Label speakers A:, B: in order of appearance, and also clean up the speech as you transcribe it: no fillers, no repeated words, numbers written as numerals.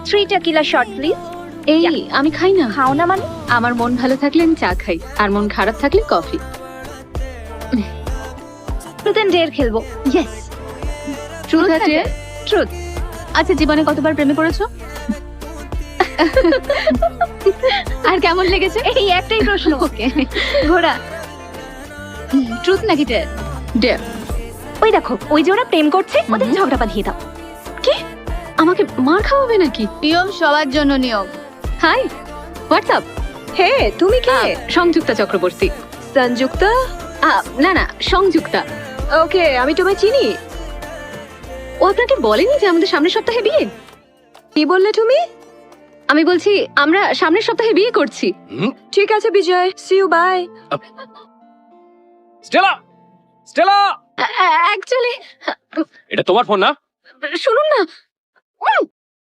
A: 3 টেকিলা shot please.
B: এই আমি খাই না।
A: খাও না মানে?
B: আমার মন ভালো থাকলে আমি চা খাই, আর মন খারাপ থাকলে কফি।
A: ট্রুথ এন্ড ডেয়ার খেলবো।
B: ইয়েস, ট্রুথ আছে।
A: ট্রুথ।
B: আচ্ছা, জীবনে কতবার প্রেমে পড়েছো? আর কেমন লেগেছে?
A: এই একটাই প্রশ্ন।
B: ওকে,
A: ঘোড়া।
B: ট্রুথ নাকি ডেয়ার? ডেয়ার।
A: ওই দেখো, ওই যে ওরা প্রেম করছে, ওদের
B: হুম।
A: ঝগড়া বাঁধিয়ে দাও।
B: কি? আমাকে মার খাওয়াবে নাকি? নিয়ম সবার জন্য নিয়ম। High, WhatsApp?
A: হে, তুমি কে?
B: সংযুক্তা চক্রবর্তী।
A: সঞ্জুক্তা?
B: না না, সংযুক্তা।
A: ওকে, আমি তোমায় চিনি।
B: ও আপনাকে বলেনি যে আমাদের সামনের সপ্তাহে বিয়ে?
A: কি বললে তুমি?
B: আমি বলছি আমরা সামনের সপ্তাহে বিয়ে করছি।
A: ঠিক আছে Bijay, see you, bye.
C: Stella, Stella,
B: actually
C: এটা তোমার ফোন না?
B: শুনুন না,